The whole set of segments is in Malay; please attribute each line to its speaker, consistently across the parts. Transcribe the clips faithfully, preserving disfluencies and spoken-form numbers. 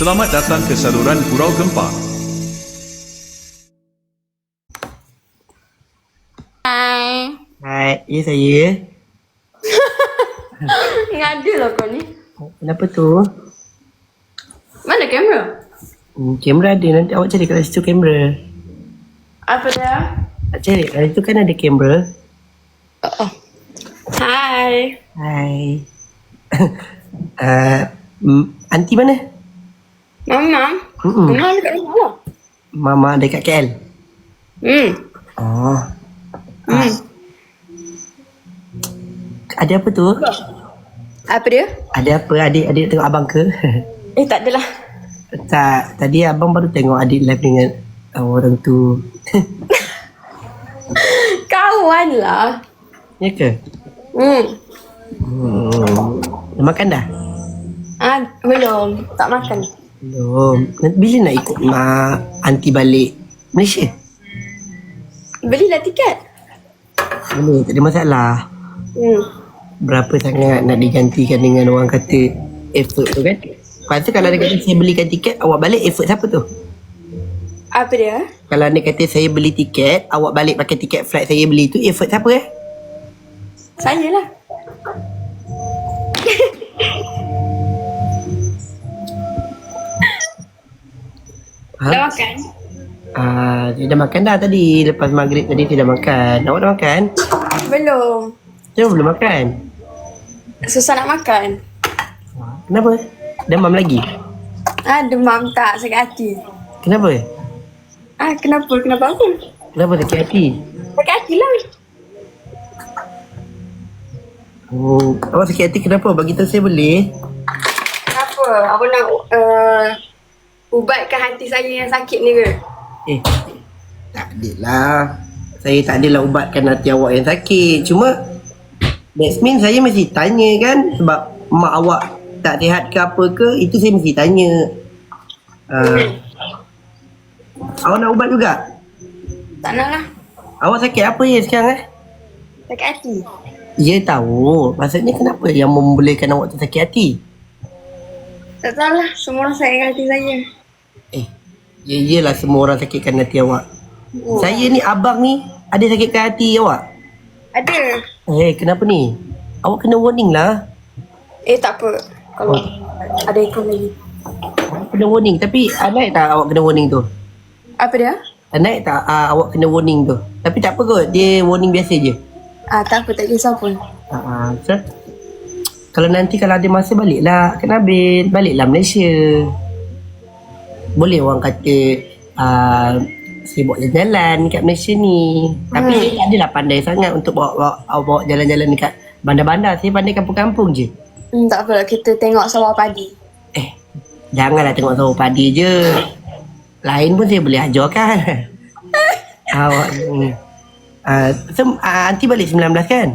Speaker 1: Selamat datang ke saluran Gurau Gempa.
Speaker 2: Hai.
Speaker 3: Hai, ya saya.
Speaker 2: Ngada lah kau ni.
Speaker 3: Kenapa tu?
Speaker 2: Mana kamera?
Speaker 3: Hmm, kamera ada, nanti awak cari kat situ kamera.
Speaker 2: Apa dah?
Speaker 3: Tak cari, kat situ kan ada kamera.
Speaker 2: Oh, oh. Hai.
Speaker 3: Hai. uh, mm, Aunty mana?
Speaker 2: Mama.
Speaker 3: Mm-mm.
Speaker 2: Mama dekat rumah lah.
Speaker 3: Mama dekat K L.
Speaker 2: Hmm.
Speaker 3: Oh.
Speaker 2: Hmm.
Speaker 3: Ada apa tu?
Speaker 2: Apa dia?
Speaker 3: Ada apa? Adik adik tengok abang ke?
Speaker 2: Eh, tak adalah.
Speaker 3: Tak, tadi abang baru tengok adik live dengan uh, orang tu.
Speaker 2: Kawan lah.
Speaker 3: Ya ke?
Speaker 2: Hmm.
Speaker 3: Hmm. Dah makan dah?
Speaker 2: Ah, belum. Tak makan.
Speaker 3: Belum. Nanti bila nak ikut mak aunty balik Malaysia?
Speaker 2: Belilah tiket.
Speaker 3: Boleh, tak ada masalah.
Speaker 2: Hmm.
Speaker 3: Berapa sangat nak digantikan dengan orang kata effort tu kan? Lepas tu kalau dia kata saya belikan tiket, awak balik effort siapa tu?
Speaker 2: Apa dia?
Speaker 3: Kalau dia kata saya beli tiket, awak balik pakai tiket flight saya beli tu, effort siapa eh?
Speaker 2: Saya lah.
Speaker 3: Ha?
Speaker 2: Dah makan?
Speaker 3: Ah, saya dah makan dah tadi. Lepas maghrib tadi saya dah makan. Awak dah makan?
Speaker 2: Belum.
Speaker 3: Saya belum makan.
Speaker 2: Susah nak makan.
Speaker 3: Kenapa? Demam lagi?
Speaker 2: Ah, demam tak, sakit hati.
Speaker 3: Kenapa?
Speaker 2: Ah, kenapa? Kenapa apa?
Speaker 3: Kenapa sakit hati?
Speaker 2: Sakit hati lah.
Speaker 3: Oh, awak sakit hati kenapa? Bagi tahu saya boleh?
Speaker 2: Kenapa? Awak nak uh, ubatkan hati saya yang sakit ni ke?
Speaker 3: Eh, tak adalah. Saya tak adalah ubatkan hati awak yang sakit. Cuma, that means saya mesti tanya kan. Sebab mak awak tak sihat ke apa ke, itu saya mesti tanya. Uh, awak nak ubat juga?
Speaker 2: Tak nak lah.
Speaker 3: Awak sakit apa ya sekarang eh?
Speaker 2: Sakit hati.
Speaker 3: Ya tahu. Maksudnya kenapa yang membolehkan awak tu sakit hati?
Speaker 2: Tak tahu lah. Semua orang sakit hati saya.
Speaker 3: Eh, ya iyalah semua orang sakitkan hati awak.
Speaker 2: Oh.
Speaker 3: Saya ni abang ni ada sakitkan hati awak.
Speaker 2: Ada.
Speaker 3: Eh, kenapa ni? Awak kena warning lah.
Speaker 2: Eh, tak apa. Kalau
Speaker 3: Oh.
Speaker 2: ada ikut lagi.
Speaker 3: Awak kena warning. Tapi uh, naik tak awak kena warning tu?
Speaker 2: Apa dia?
Speaker 3: Uh, naik tak uh, awak kena warning tu? Tapi tak apa kot. Dia warning biasa je.
Speaker 2: Ah, tak apa. Tak kisah pun.
Speaker 3: Uh, uh, so, kalau nanti kalau ada masa baliklah ke Nabil. Baliklah Malaysia. Boleh orang kata uh, saya bawa jalan-jalan kat Malaysia ni. Tapi
Speaker 2: Hmm.
Speaker 3: saya tak adalah pandai sangat untuk bawa, bawa, bawa jalan-jalan dekat bandar-bandar. Saya pandai kampung-kampung je.
Speaker 2: Hmm, tak apa. Kita tengok sawah padi.
Speaker 3: Eh, janganlah tengok sawah padi je. Lain pun saya boleh ajarkan. Awak ni. Uh, so, uh, aunty balik sembilan belas kan?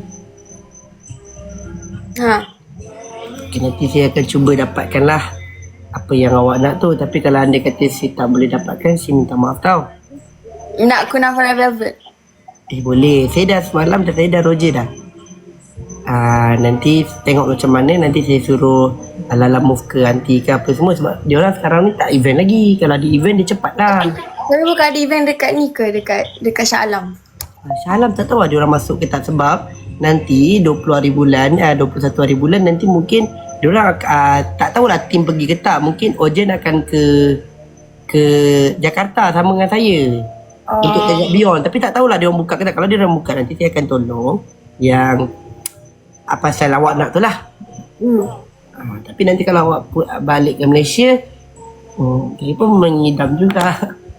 Speaker 2: Ha.
Speaker 3: Okay, nanti saya akan cuba dapatkan lah apa yang awak nak tu. Tapi kalau anda kata saya tak boleh dapatkan, saya minta maaf tau.
Speaker 2: Nak kunafa red velvet.
Speaker 3: Eh boleh. Saya dah semalam dah, saya dah roger dah. Uh, nanti tengok macam mana. Nanti saya suruh Lala move ke aunty ke apa semua. Sebab dia orang sekarang ni tak event lagi. Kalau ada event dia cepat lah.
Speaker 2: Tapi bukan ada event dekat ni ke? Dekat dekat Shah Alam.
Speaker 3: Uh, Shah Alam tak tahu lah dia orang masuk ke tak. Sebab nanti dua puluh hari bulan, uh, dua puluh satu hari bulan nanti mungkin dia orang uh, tak tahulah tim pergi ke tak. Mungkin Ojen akan ke ke Jakarta sama dengan saya.
Speaker 2: Oh.
Speaker 3: Untuk tengok Beyond. Tapi tak tahulah dia orang buka ke tak. Kalau dia orang buka nanti saya akan tolong yang apa pasal awak nak tu lah.
Speaker 2: Hmm.
Speaker 3: Uh, tapi nanti kalau awak pu- balik ke Malaysia, hmm, saya pun mengidam juga.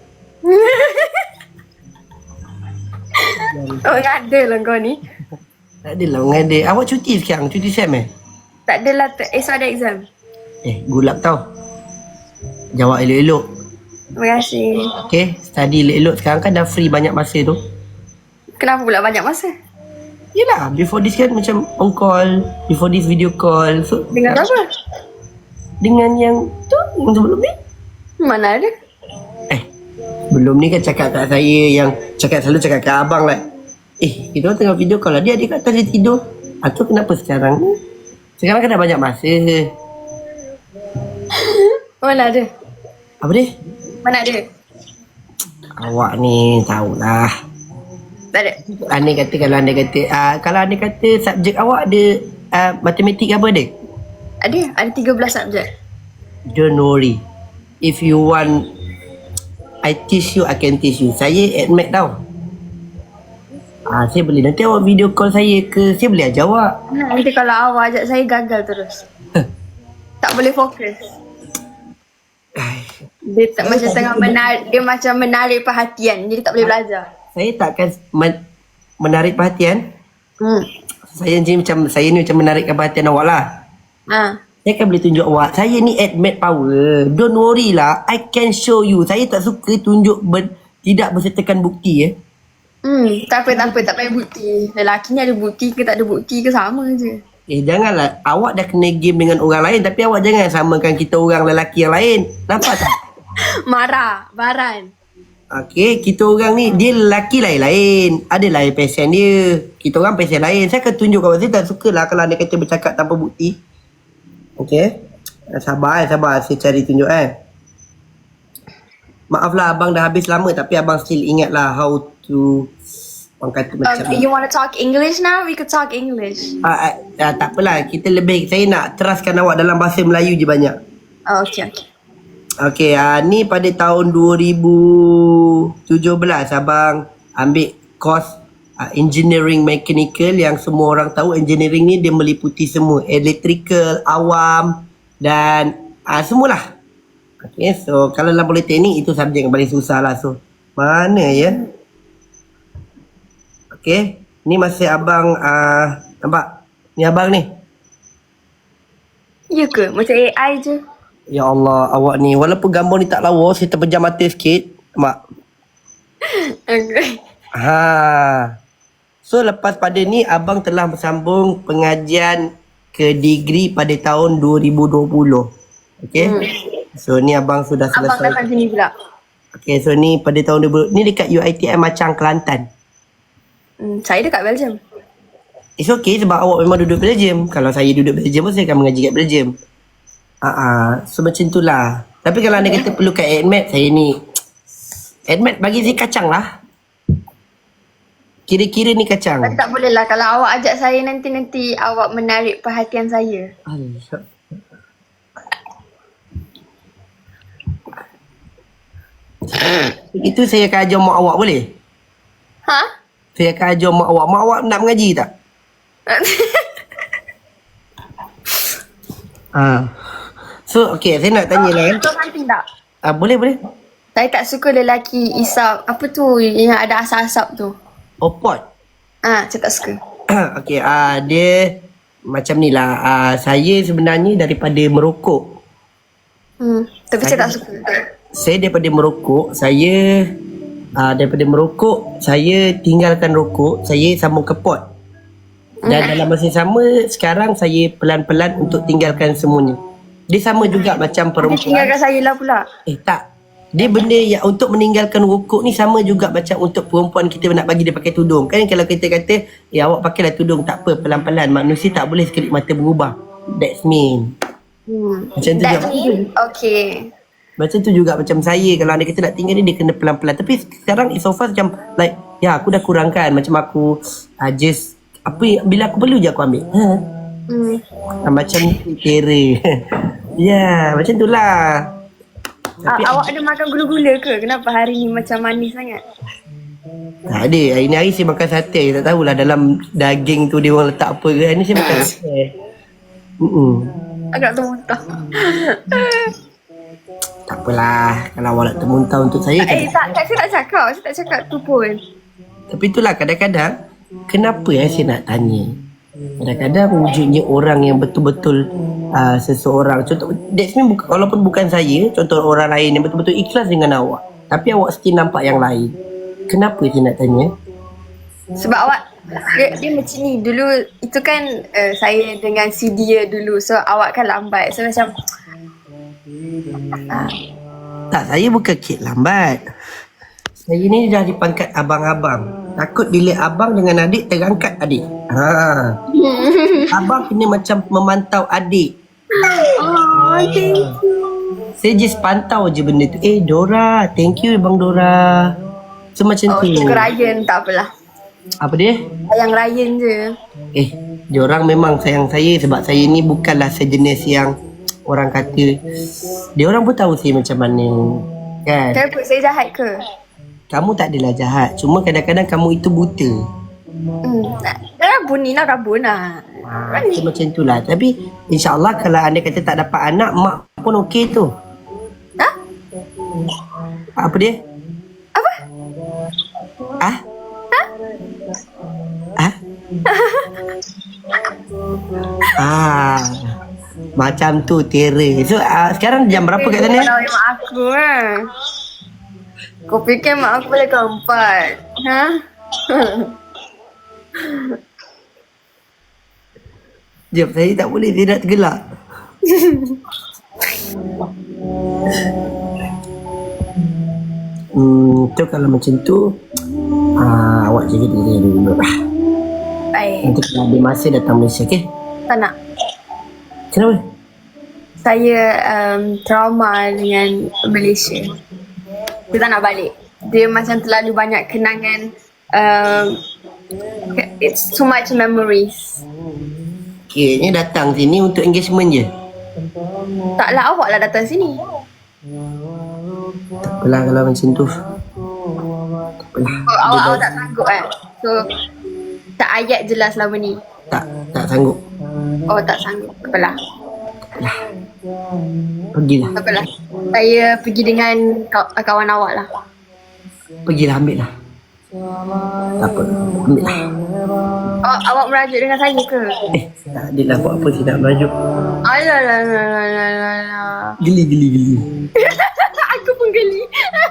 Speaker 2: Oh, ada lah kau ni.
Speaker 3: Tak adalah mengada. Awak cuti sekarang? Cuti SEM eh?
Speaker 2: Tak adalah. Ter- esok ada exam.
Speaker 3: Eh, good luck tau. Jawab elok-elok.
Speaker 2: Terima kasih.
Speaker 3: Okay, study elok-elok. Sekarang kan dah free banyak masa tu.
Speaker 2: Kenapa pula banyak masa?
Speaker 3: Yelah, before this kan macam on call, before this video call. So,
Speaker 2: Dengan apa?
Speaker 3: dengan yang tu, yang sebelum ni.
Speaker 2: Mana ada?
Speaker 3: Eh, belum ni kan cakap kat saya yang cakap selalu cakap kat abang lah. Eh, kita orang tengah video call lah. Dia adik kat atas dia tidur. Ah, tu kenapa sekarang ni? Sekarang kan dah banyak masa.
Speaker 2: Mana ada?
Speaker 3: Apa dia?
Speaker 2: Mana ada?
Speaker 3: Awak ni tahulah.
Speaker 2: Tak ada.
Speaker 3: Anda kata kalau anda kata uh, kalau anda kata subjek awak ada uh, matematik apa ada?
Speaker 2: Ada. Ada tiga belas subjek.
Speaker 3: Don't worry. If you want I teach you, I can teach you. Saya admit tau. Ah, saya boleh nanti awak video call saya ke, saya boleh ajar awak.
Speaker 2: Nanti kalau awak ajak saya gagal terus. Tak boleh fokus. Dia tak macam tengah menarik, dia macam menarik perhatian. Jadi tak boleh belajar.
Speaker 3: Saya takkan men- menarik perhatian.
Speaker 2: Hmm.
Speaker 3: Saya ni macam saya ni macam menarikkan perhatian awak lah.
Speaker 2: Ha.
Speaker 3: Saya kan boleh tunjuk awak. Saya ni admit power. Don't worry lah. I can show you. Saya tak suka tunjuk ber- tidak bersertakan bukti eh.
Speaker 2: Hmm, tak apa, tak apa, tak payah bukti. Lelaki ni ada bukti ke tak ada bukti ke sama je.
Speaker 3: Eh janganlah. Awak dah kena game dengan orang lain. Tapi awak jangan samakan kita orang lelaki yang lain. Nampak tak?
Speaker 2: Marah, baran.
Speaker 3: Okay, kita orang ni, dia lelaki lain-lain. Adalah passion dia. Kita orang passion lain. Saya akan tunjuk kawan saya tak suka lah kalau anda kata bercakap tanpa bukti. Okay. Sabar eh, sabar. Saya cari tunjuk eh. Maaf lah abang dah habis lama tapi abang still ingat lah how to orang kata macam
Speaker 2: Um, you want to talk English now? We could talk English.
Speaker 3: ah, ah, ah, tak apalah, kita lebih saya nak teraskan awak dalam bahasa Melayu je banyak.
Speaker 2: Oh, okay, okay.
Speaker 3: Okay, ah, ni pada tahun dua ribu tujuh belas abang ambil course ah, engineering mechanical yang semua orang tahu engineering ni dia meliputi semua electrical, awam dan ah, semualah. Okay, so kalau dalam politeknik itu subjek yang paling susah lah. So, mana ya? Okay, ni masih abang, uh, nampak? Ni abang ni.
Speaker 2: Ya ke? Macam A I je.
Speaker 3: Ya Allah, awak ni, walaupun gambar ni tak lawa, saya terpejam mata sikit. Nampak?
Speaker 2: Okay.
Speaker 3: Ha. So, lepas pada ni, abang telah bersambung pengajian ke degree pada tahun dua ribu dua puluh. Okay? Hmm. So, ni abang sudah selesai.
Speaker 2: Abang datang sini pula.
Speaker 3: Okay, so ni pada tahun dua ribu, ni dekat U I T M Macang, Kelantan.
Speaker 2: Hmm, saya dekat Belgium.
Speaker 3: It's okay sebab awak memang duduk Belgium. Kalau saya duduk Belgium pun saya akan mengaji kat Belgium. Ah, uh-uh. So macam tu lah. Tapi kalau anda kata perlukan admit, saya ni admit bagi saya kacang lah. Kira-kira ni kacang.
Speaker 2: Tapi tak boleh lah. Kalau awak ajak saya nanti-nanti awak menarik perhatian saya.
Speaker 3: Itu saya akan ajar mak awak boleh?
Speaker 2: Ha?
Speaker 3: Saya akan ajar mak awak. Mak awak nak mengaji tak? Ah. So okay, saya nak tanya lah.
Speaker 2: Betul something tak?
Speaker 3: Ah, boleh boleh.
Speaker 2: Saya tak suka lelaki isap. Apa tu yang ada asap-asap tu?
Speaker 3: Oh pot.
Speaker 2: Ah, saya tak suka.
Speaker 3: Okay, ah dia macam ni lah. Ah, saya sebenarnya daripada merokok.
Speaker 2: Hmm, tapi saya, saya tak suka.
Speaker 3: Saya daripada merokok, saya uh, daripada merokok, saya tinggalkan rokok, saya sambung ke pot. Dan dalam masa yang sama, sekarang saya pelan-pelan untuk tinggalkan semuanya. Dia sama juga macam perempuan.
Speaker 2: Dia tinggalkan saya lah pula.
Speaker 3: Eh tak. Dia benda yang untuk meninggalkan rokok ni sama juga macam untuk perempuan kita nak bagi dia pakai tudung. Kan kalau kita kata, ya awak pakailah tudung, tak apa, pelan-pelan. Manusia tak boleh sekelip mata berubah. That's mean.
Speaker 2: Hmm.
Speaker 3: Macam tu
Speaker 2: That's
Speaker 3: juga.
Speaker 2: mean? Okay.
Speaker 3: Macam tu juga macam saya. Kalau anda kata nak tinggal ni, dia kena pelan-pelan. Tapi sekarang so far macam like, ya aku dah kurangkan. Macam aku uh, just, apa bila aku perlu je aku ambil. Ha?
Speaker 2: Hmm.
Speaker 3: Uh, macam kira. Ya, macam tu lah. Tapi
Speaker 2: A- awak ada makan gula-gula ke? Kenapa hari ni macam manis sangat?
Speaker 3: tak ada. Hari ni hari saya makan sate. Tak tahulah dalam daging tu dia orang letak apa ke. Hari ni saya makan sate. Mm-mm.
Speaker 2: Agak termuntah.
Speaker 3: Tak apalah. Kalau awak nak termuntah untuk saya.
Speaker 2: Eh, tak, tak, saya tak cakap. Saya tak cakap tu pun.
Speaker 3: Tapi itulah kadang-kadang, kenapa eh saya nak tanya? Kadang-kadang wujudnya orang yang betul-betul uh, seseorang. Contoh, that's mean buka, walaupun bukan saya, contoh orang lain yang betul-betul ikhlas dengan awak. Tapi awak still nampak yang lain. Kenapa saya nak tanya?
Speaker 2: Sebab awak, dia, dia macam ni. Dulu, itu kan uh, saya dengan si dia dulu. So, awak kan lambat. So, macam... Uh,
Speaker 3: Tak, saya bukan kid lambat. Saya ni dah di pangkat abang-abang. Takut bila abang dengan adik terangkat adik. Ha. Abang kena macam memantau adik.
Speaker 2: oh, thank you.
Speaker 3: Saya just pantau je benda tu. Eh Dora, thank you Bang Dora. So macam
Speaker 2: Oh,
Speaker 3: tu.
Speaker 2: ke Ryan tak apalah.
Speaker 3: Apa dia?
Speaker 2: Sayang Ryan je.
Speaker 3: Eh, diorang memang sayang saya sebab saya ni bukanlah sejenis yang orang kata. Diorang pun tahu saya macam mana. Kan?
Speaker 2: Kenapa saya jahat ke?
Speaker 3: Kamu tak adalah jahat. Cuma kadang-kadang kamu itu buta.
Speaker 2: Hmm. Rabun ni lah rabun lah.
Speaker 3: Ha, so macam itulah. Tapi insyaAllah kalau anda kata tak dapat anak, mak pun okey tu.
Speaker 2: Ha?
Speaker 3: Apa dia?
Speaker 2: Apa?
Speaker 3: Ah? Ah? Ah. Macam tu Tera. So uh, sekarang jam berapa kat sana?
Speaker 2: Kalau mak aku kan. Kau fikir mak aku boleh keempat? Ha?
Speaker 3: Jom, saya tak boleh. Dia nak tergelak. Hmm, tu kalau macam tu uh, awak jaga diri dulu lah.
Speaker 2: Baik.
Speaker 3: Nanti kalau ada masa datang Malaysia, okey?
Speaker 2: Tak nak.
Speaker 3: Kenapa?
Speaker 2: Saya um, trauma dengan Malaysia. Dia tak nak balik. Dia macam terlalu banyak kenangan. Um, it's too much memories.
Speaker 3: Kiranya datang sini untuk engagement je.
Speaker 2: Taklah awak lah datang sini.
Speaker 3: Tak apalah kalau macam tu. Tak apalah.
Speaker 2: Oh, awak, awak tak sanggup kan? So, tak ayat je lah selama ni.
Speaker 3: Tak, tak sanggup.
Speaker 2: Oh, tak sanggup. Tak apalah.
Speaker 3: Pergilah.
Speaker 2: Tak apalah. Saya pergi dengan kaw- kawan awak lah.
Speaker 3: Pergilah, ambil lah. Tak apa, ambil lah.
Speaker 2: Awak, awak merajuk dengan saya ke?
Speaker 3: Eh, tak adalah buat apa saya nak merajuk.
Speaker 2: Alah, alah, alah, alah, alah, alah.
Speaker 3: Geli, geli, geli.
Speaker 2: Aku pun geli.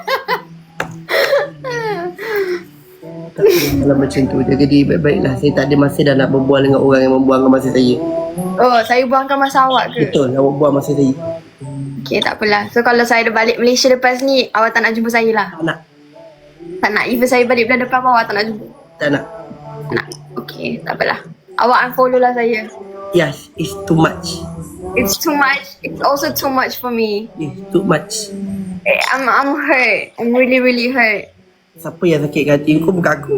Speaker 3: Tak apa, kalau macam tu je. Jadi baik-baiklah. Saya tak ada masa dah nak berbual dengan orang yang membuangkan masa saya.
Speaker 2: Oh, saya buangkan masa awak ke?
Speaker 3: Betul, awak buang masa saya.
Speaker 2: Okay, tak apalah. So, kalau saya dah balik Malaysia lepas ni, awak tak nak jumpa saya lah?
Speaker 3: Tak nak.
Speaker 2: Tak nak. Even saya balik bulan depan pun awak tak nak jumpa?
Speaker 3: Tak nak.
Speaker 2: Tak nak. Okay, tak apalah. Awak unfollow lah saya.
Speaker 3: Yes, it's too much.
Speaker 2: It's too much. It's also too much for me.
Speaker 3: It's too much.
Speaker 2: Eh, I'm, I'm hurt. I'm really, really hurt.
Speaker 3: Siapa yang sakit hati kau? Bukan aku.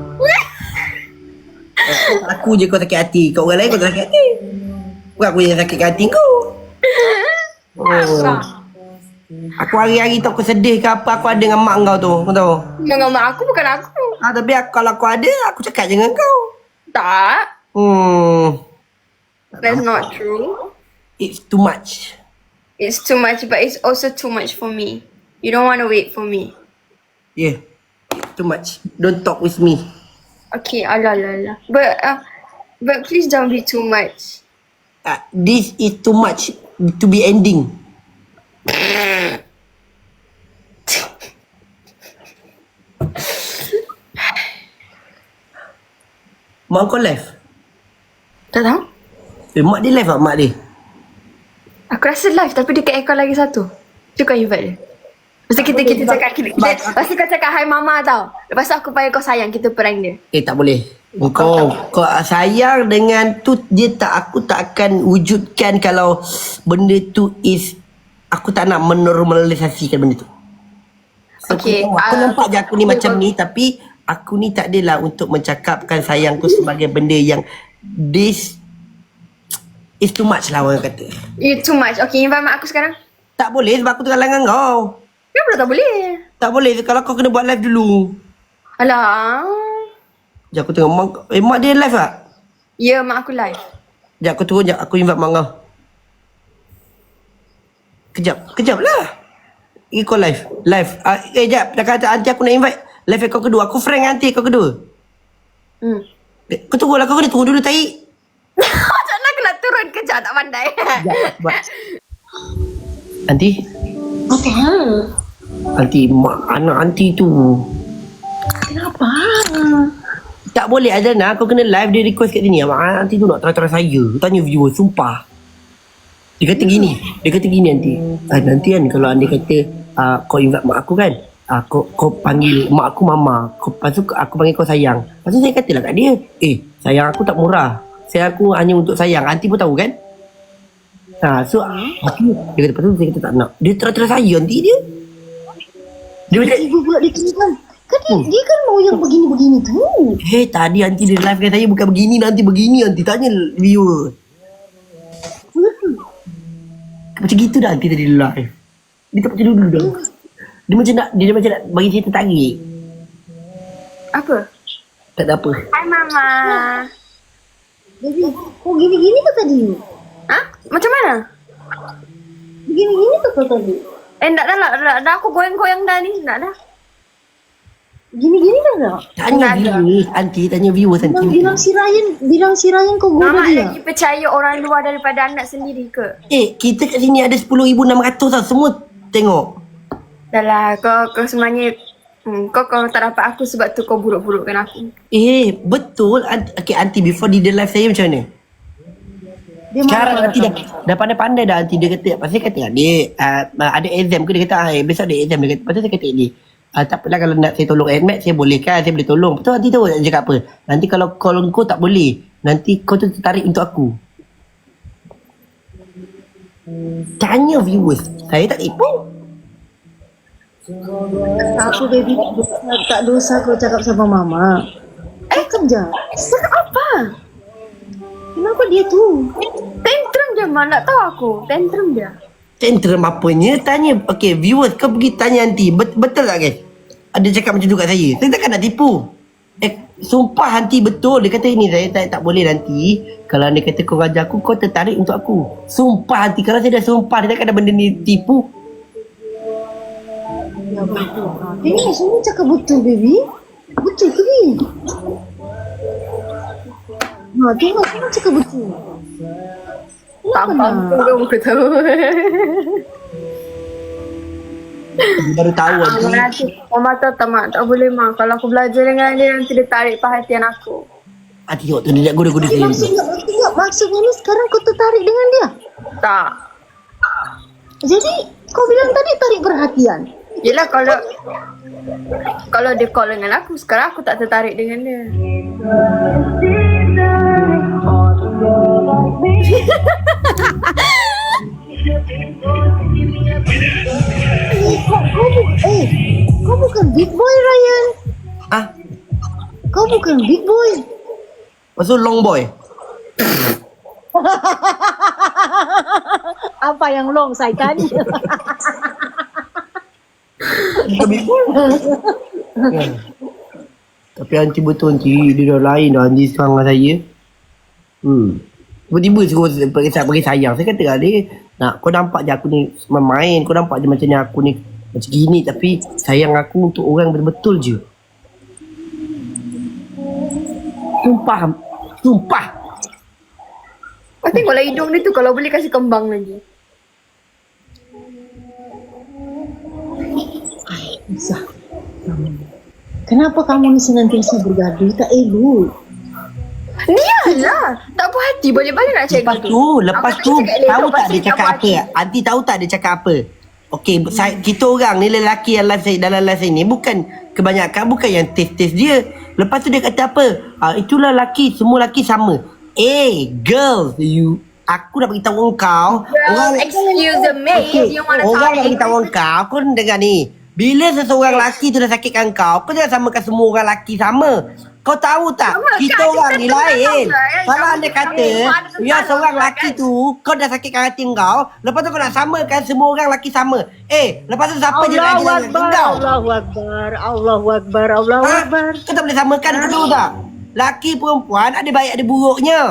Speaker 3: Aku je kau sakit hati. Kau orang lain kau tak sakit hati. Bukan aku yang sakit hati kau. Oh. Aku hari-hari tak aku sedih ke apa, aku ada dengan mak kau tu. Kau tahu?
Speaker 2: Dengan mak aku bukan aku.
Speaker 3: Ah, tapi aku, kalau aku ada, aku cakap je dengan kau.
Speaker 2: Tak.
Speaker 3: Hmm.
Speaker 2: That's not true.
Speaker 3: It's too much.
Speaker 2: It's too much, but it's also too much for me. You don't want to wait for me.
Speaker 3: Yeah. It's too much. Don't talk with me.
Speaker 2: Okay, alah, alah, alah. But, uh, but please don't be too much.
Speaker 3: Uh, this is too much to be ending. Mak kau live?
Speaker 2: Tak tahu?
Speaker 3: Eh, mak dia live tak mak dia?
Speaker 2: Aku rasa live tapi dekat aircon lagi satu. Cuba invite dia. Lepas tu kita, kita cakap, kita, kita, lepas tu kau cakap hi mama tau. Lepas tu aku panggil kau sayang, kita prank dia.
Speaker 3: Eh, tak boleh. Kau, kau sayang dengan tu je tak, aku tak akan wujudkan kalau benda tu is, aku tak nak menormalisasikan benda tu. So,
Speaker 2: Okay,
Speaker 3: aku, aku
Speaker 2: uh,
Speaker 3: nampak je aku ni
Speaker 2: okay,
Speaker 3: macam
Speaker 2: okay.
Speaker 3: ni, tapi aku ni tak adalah untuk mencakapkan sayangku sebagai benda yang this is too much lah orang kata.
Speaker 2: You too much. Okay, invite mak aku sekarang.
Speaker 3: Tak boleh sebab aku tengah langgan kau.
Speaker 2: Kenapa tak boleh?
Speaker 3: Tak boleh kalau kau kena buat live dulu.
Speaker 2: Alah.
Speaker 3: Sekejap aku tengok mak, eh mak dia live tak?
Speaker 2: Ya, mak aku live.
Speaker 3: Sekejap aku turun sekejap, aku invite mak kau. Kejap, kejap lah. Ini kau live, live. Uh, eh sekejap, dah kata nanti aku nak invite live kau kedua. Aku friend dengan nanti kau kedua.
Speaker 2: Hmm.
Speaker 3: Eh, kau tunggu lah, kau kena tunggu dulu tahi.
Speaker 2: Macam mana aku nak turun kejap tak pandai.
Speaker 3: Sekejap, buat. Nanti,
Speaker 2: Apa?
Speaker 3: nanti mak anak nanti tu.
Speaker 2: Kenapa?
Speaker 3: Tak boleh Azana, kau kena live dia request kat sini. Mak nanti tu nak try-try saya. Tanya viewer, sumpah. Dia kata gini, dia kata gini nanti. Ah, nanti kan kalau anda kata uh, kau invite mak aku kan, uh, kau, kau panggil mak aku mama, kau, lepas tu aku panggil kau sayang. Lepas tu saya katalah kat dia, eh sayang aku tak murah. Sayang aku hanya untuk sayang. Nanti pun tahu kan? Ha, so aku, dia kata, lepas tu saya kata tak nak. Dia terus-terus sayang nanti dia. Dia macam,
Speaker 4: Ibu pula dia kan. Kan dia, dia kan mau yang begini-begini tu.
Speaker 3: hey tadi nanti dia live dengan saya bukan begini, nanti begini, nanti tanya viewer. Macam gitu dah nanti tadi live. Dia tak macam dulu dah. Dia macam nak, dia macam nak bagi saya tertarik.
Speaker 2: Apa?
Speaker 3: Tak ada apa.
Speaker 2: Hai Mama.
Speaker 4: Baby, kau gini-gini tu tadi?
Speaker 2: Hah? Macam mana?
Speaker 4: Begini-gini tu kau tadi?
Speaker 2: Eh, tak dah lah. Dah, dah aku goyang-goyang dah ni. Tak dah.
Speaker 4: Gini-gini dah tak?
Speaker 3: Tanya
Speaker 2: Tak ada.
Speaker 3: viewers, nanti tanya viewers
Speaker 4: Bilang,
Speaker 3: nanti.
Speaker 4: bilang si Ryan, bilang si Ryan kau goda
Speaker 2: Mama
Speaker 4: dia.
Speaker 2: lagi percaya orang luar daripada anak sendiri ke?
Speaker 3: Eh, kita kat sini ada sepuluh ribu enam ratus tau. Semua tengok.
Speaker 2: Dah lah, kau, kau sebenarnya hmm, kau kau tak dapat aku sebab tu kau buruk-burukkan aku.
Speaker 3: Eh, betul. Ant- okay, aunty before di the live saya macam mana?
Speaker 4: Dia
Speaker 3: Sekarang
Speaker 4: marah
Speaker 3: nanti dah, dah pandai-pandai dah nanti dia kata. Pasal saya kata dia uh, ada exam ke, dia kata ah, besok ada exam. Dia kata, lepas tu saya kata dia uh, tak apalah kalau nak saya tolong admit saya boleh kan, saya boleh tolong. Betul nanti tahu dia cakap apa. Nanti kalau call kau tak boleh, nanti kau tu tertarik untuk aku. Tanya viewers, saya tak tipu.
Speaker 4: Apa baby, tak dosa, tak dosa kau cakap sama mama. Cakap je.
Speaker 2: Cakap apa?
Speaker 4: Kenapa dia tu?
Speaker 2: Tantrum je Ma, nak tahu aku. Tantrum dia.
Speaker 3: Tantrum apanya? Tanya, okay viewers kau pergi tanya nanti. Bet- betul tak guys? Ada cakap macam tu kat saya. Saya takkan nak tipu. Eh, sumpah nanti betul. Dia kata ini saya tak, tak boleh nanti. Kalau dia kata kau raja aku, kau tertarik untuk aku. Sumpah nanti. Kalau saya dah sumpah, dia takkan ada benda ni tipu.
Speaker 4: Ya betul. Ini semua cakap betul baby. Betul ke ni? Ha, tengok semua cakap betul.
Speaker 2: Tak mampu ke aku tahu.
Speaker 3: Baru tahu nanti.
Speaker 2: Mama nanti, Mama tahu tak Mak? Tak boleh Mak. Kalau aku belajar dengan dia, nanti dia tarik perhatian aku.
Speaker 3: Ah, tengok tu dia nak goda-goda saya.
Speaker 4: Maksudnya, maksudnya, maksudnya ni sekarang kau tertarik dengan dia.
Speaker 2: Tak.
Speaker 4: Jadi kau bilang tadi tarik perhatian.
Speaker 2: Yelah kalau kalau dia call dengan aku, sekarang aku tak tertarik dengan dia.
Speaker 4: Eh, kau, kau, bu- eh, kau bukan big boy Ryan.
Speaker 3: Ah,
Speaker 4: Kau bukan big boy.
Speaker 3: maksud long boy.
Speaker 4: Apa yang long saya tanya.
Speaker 3: Kan? Tapi anti betul anti. Dia dah lain dah anti sekarang dengan saya. Hmm. Tiba-tiba suruh pergi, pergi sayang. Saya kata dia, nak kau nampak je aku ni main. Kau nampak je macam ni aku ni macam gini. Tapi sayang aku untuk orang betul-betul je. Sumpah. Sumpah.
Speaker 2: Kau tengoklah hidung dia tu, kalau boleh kasih kembang lagi.
Speaker 4: Bisa. Kenapa kamu ni senantiasa bergaduh? Tak elok.
Speaker 2: Dialah. Tak puas hati, balik-balik nak cakap
Speaker 3: Lepas tu, lepas
Speaker 2: Aku
Speaker 3: tu
Speaker 2: tak cakap
Speaker 3: tahu
Speaker 2: elok,
Speaker 3: tak
Speaker 2: pasti
Speaker 3: dia cakap
Speaker 2: tak
Speaker 3: apa?
Speaker 2: puas hati.
Speaker 3: Anti tahu tak dia cakap apa? Okey, saya, kita orang ni lelaki yang live saya, dalam live saya ni bukan kebanyakan bukan yang taste-taste dia. Lepas tu dia kata apa? Ah, itulah lelaki, semua lelaki sama. Eh, girls, you aku nak beritahu engkau,
Speaker 2: Well, excuse me,
Speaker 3: Okey,
Speaker 2: if you wanna
Speaker 3: orang nak
Speaker 2: talk
Speaker 3: beritahu engkau, kau dengar ni. Bila seseorang lelaki tu dah sakitkan kau, kau jangan samakan semua orang lelaki sama. Kau tahu tak?
Speaker 2: Sama,
Speaker 3: Kita
Speaker 2: kan?
Speaker 3: orang
Speaker 2: Kita
Speaker 3: ni
Speaker 2: tu dah
Speaker 3: lain.
Speaker 2: tahu lah, kan?
Speaker 3: Kalau
Speaker 2: Sama
Speaker 3: anda
Speaker 2: kita
Speaker 3: kata,
Speaker 2: ni, semua ada tentang
Speaker 3: ya seorang
Speaker 2: lah,
Speaker 3: lelaki
Speaker 2: kan?
Speaker 3: tu, kau dah sakitkan hati kau, lepas tu kau nak samakan semua orang lelaki sama. Eh, lepas tu siapa je lagi
Speaker 4: Allahu
Speaker 3: dengan
Speaker 4: Akbar,
Speaker 3: kau?
Speaker 4: Allahu Akbar, Allahu Akbar, Allahu
Speaker 3: Ha?
Speaker 4: Akbar.
Speaker 3: Kau tak boleh samakan, kau tahu tak? Laki perempuan ada baik ada buruknya.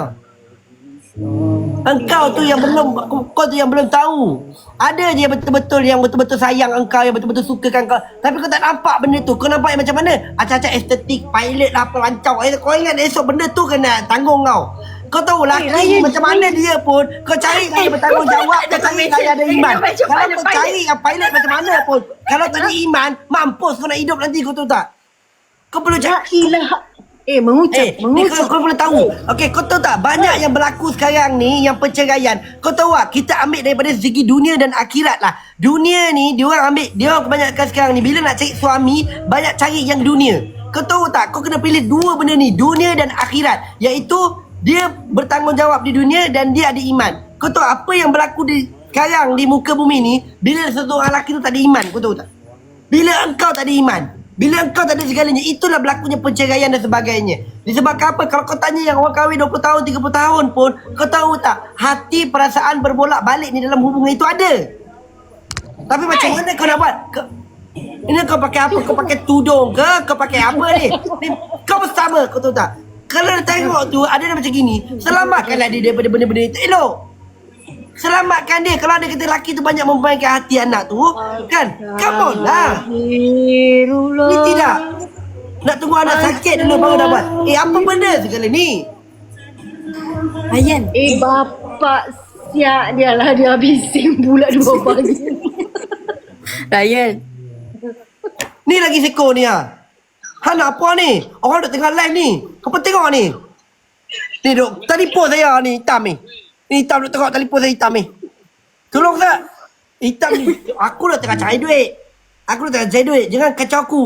Speaker 3: Engkau tu yang belum, kau tu yang belum tahu. Ada je yang betul-betul yang betul-betul sayang engkau, yang betul-betul sukakan kau. Tapi kau tak nampak benda tu. Kau nampak yang macam mana? Acak-acak estetik, pilot lah, apa lancau. Eh, kau ingat esok benda tu kena tanggung kau. Kau tahu laki ni macam mana dia pun, kau cari yang dia bertanggungjawab, kau cari yang ada iman. Kalau kau cari yang pilot macam mana pun, kalau tak ada iman, mampus kau nak hidup nanti, kau tahu tak? Kau perlu
Speaker 4: La
Speaker 3: cari.
Speaker 4: ilaha. Eh, mengucap,
Speaker 3: Eh, ni
Speaker 4: mengucap.
Speaker 3: kau, kau perlu tahu. Okey, kau tahu tak banyak yang berlaku sekarang ni yang perceraian. Kau tahu tak kita ambil daripada segi dunia dan akhirat lah. Dunia ni dia orang ambil, dia orang kebanyakan sekarang ni bila nak cari suami banyak cari yang dunia. Kau tahu tak kau kena pilih dua benda ni, dunia dan akhirat. Iaitu dia bertanggungjawab di dunia dan dia ada iman. Kau tahu apa yang berlaku di sekarang di muka bumi ni? Bila seseorang lelaki tu tak ada iman, kau tahu tak? Bila engkau tak ada iman, bila engkau tak ada segalanya, itulah berlakunya perceraian dan sebagainya. Disebabkan apa? Kalau kau tanya yang orang kahwin dua puluh tahun, tiga puluh tahun pun, kau tahu tak? Hati, perasaan berbolak balik ni dalam hubungan itu ada. Tapi macam mana kau nak buat? Kau, ini kau pakai apa? Kau pakai tudung ke? Kau pakai apa ni? ni kau bersama, kau tahu tak? Kalau dia tengok tu, ada dia macam gini, selamatkanlah dia daripada benda-benda itu. Elok. Selamatkan dia. Kalau ada kata lelaki tu banyak membaikkan hati anak tu, kan? Come on lah. Ni tidak. Nak tunggu anak sakit dulu baru dapat. Eh, apa benda segala ni?
Speaker 2: Ryan.
Speaker 4: Eh bapak siap dia lah, dia habisin pula dua pagi.
Speaker 2: Ryan.
Speaker 3: Ni lagi seko ni ah. Ha nak apa ni? Orang duk tengah live ni. Kau pun tengok ni. Ni duk telefon saya ni hitam ni. Ni hitam duk tengok telefon saya hitam ni. Tolong tak? Hitam ni. Aku dah tengah cari duit. Aku dah tengah cari duit. Jangan kacau aku.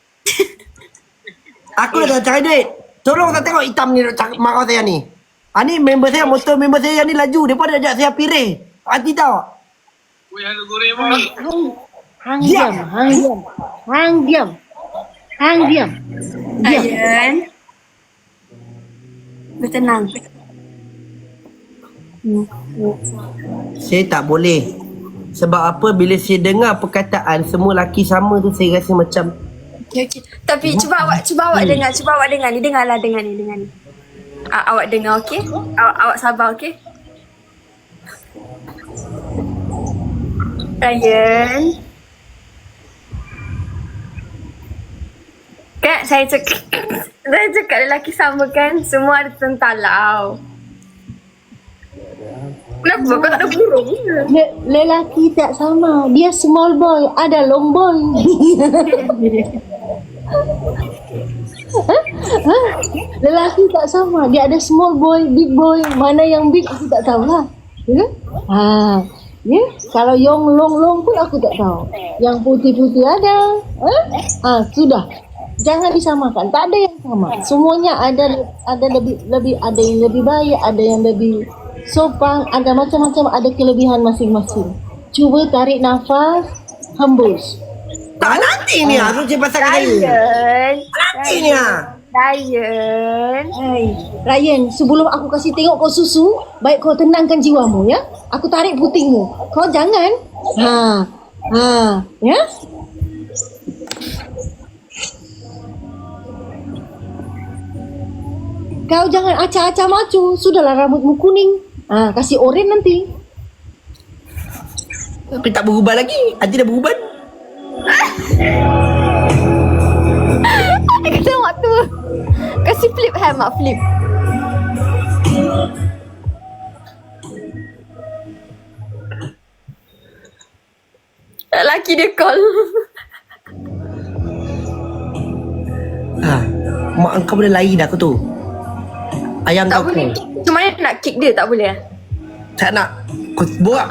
Speaker 3: Aku dah tengah cari duit. Tolong tak tengok hitam ni duk cakap marah saya ni. Ha ni member saya, motor member saya yang ni laju. Dia pun ada ajak saya pirih. Hati tahu.
Speaker 4: Hang diam, hang diam. Hang diam. Hang diam. Diam.
Speaker 2: Ryan. Bertenang.
Speaker 3: Saya tak boleh. Sebab apa? Bila saya dengar perkataan semua lelaki sama tu, saya rasa macam
Speaker 2: Okay, okay. Tapi cuba awak, cuba awak dengar, cuba awak dengar ni, dengarlah, dengar ni, dengar ni. A- awak dengar, okey? Awak, awak sabar, okey? Ryan. Kan saya cakap, saya cakap lelaki sama kan, semua ada tentalau. Kenapa kau tak ada burung?
Speaker 4: Le- lelaki tak sama. Dia small boy, ada long boy. Ha? Lelaki tak sama. Dia ada small boy, big boy. Mana yang big aku tak tahulah. Ya? Ha. Ya? Kalau yang long-long pun aku tak tahu. Yang putih-putih ada. Ha? Ha, sudah. Jangan disamakan. Tak ada yang sama. Semuanya ada ada lebih lebih ada yang lebih baik, ada yang lebih sopan, ada macam-macam, ada kelebihan masing-masing. Cuba tarik nafas, hembus.
Speaker 3: tak nanti ni ah. Tu je pasal kata ni.
Speaker 2: Ryan.
Speaker 3: Nanti ni ah.
Speaker 2: Ryan.
Speaker 4: Hai, Ryan, sebelum aku kasih tengok kau susu, baik kau tenangkan jiwamu ya. Aku tarik putingmu. Kau jangan. Ha. Ha, ya? Kau jangan acah-acah macu. Sudahlah rambutmu kuning. Ah, kasih oren nanti.
Speaker 3: Tapi tak berubah lagi. Nanti dah berubah.
Speaker 2: Ada kata mak tu. Kasih flip hand mak, flip. Lelaki dia call.
Speaker 3: Ha, mak engkau boleh lain dah aku tu. Ayam
Speaker 2: Tak
Speaker 3: kau
Speaker 2: boleh.
Speaker 3: tu.
Speaker 2: Macam mana nak kick dia, tak boleh?
Speaker 3: Tak nak. Kau borak.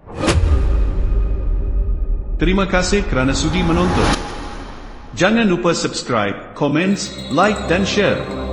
Speaker 1: Terima kasih kerana sudi menonton. Jangan lupa subscribe, komen, like dan share.